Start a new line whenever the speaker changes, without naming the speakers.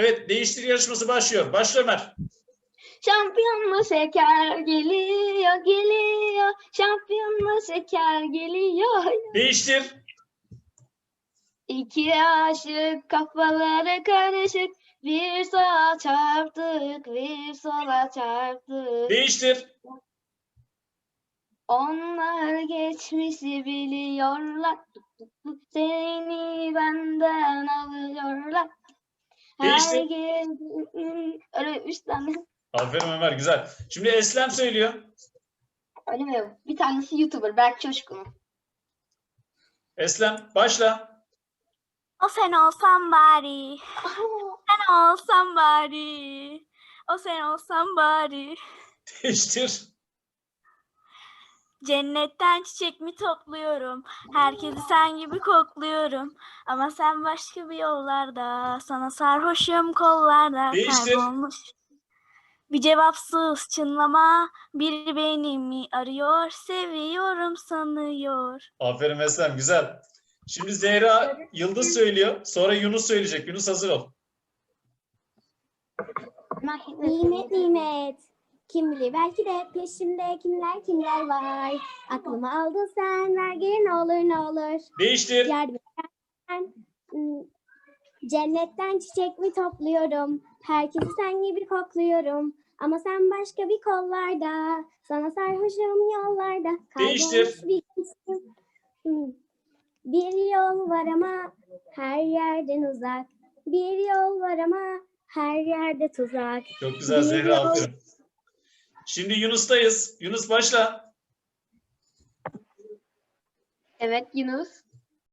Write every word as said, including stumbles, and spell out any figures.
Evet, değiştir yarışması başlıyor. Başla Ömer.
Şampiyon mu şeker geliyor geliyor. Şampiyon mu şeker geliyor.
Değiştir.
İki aşık kafaları karışık. Bir sağa çarptık, bir sola çarptık.
Değiştir.
Onlar geçmişi biliyorlar. Seni benden alıyorlar. Her
Değiştir.
gece öyle üç tane.
Aferin Ömer, güzel. Şimdi Eslem söylüyor.
Öyle mi? Bir tanesi YouTuber Berk Çoşkun.
Eslem, başla.
O sen olsan bari, sen olsan bari, o sen olsan bari.
Değiştir.
Cennetten çiçek mi topluyorum, herkesi sen gibi kokluyorum. Ama sen başka bir yollarda, sana sarhoşum kollarda
Değiştir.
kaybolmuş. Bir cevapsız çınlama, biri beni mi arıyor, seviyorum sanıyor.
Aferin Eslem, güzel. Şimdi Zehra Yıldız söylüyor. Sonra Yunus söyleyecek. Yunus hazır ol.
Nimet nimet. Kim bilir belki de peşimde kimler kimler var. Aklımı aldın sen, ver geri ne olur ne olur.
Değiştir.
Yardım edersen, ım, cennetten çiçek mi topluyorum. Herkesi sen gibi kokluyorum. Ama sen başka bir kollarda. Sana sarhoşum yollarda.
Değiştir.
Kaybolmuş bir kızım. Im, Bir yol var ama her yerden uzak. Bir yol var ama her yerde tuzak.
Çok güzel Zehra,
Bir yol-
aferin. Şimdi Yunus'tayız. Yunus başla.
Evet Yunus.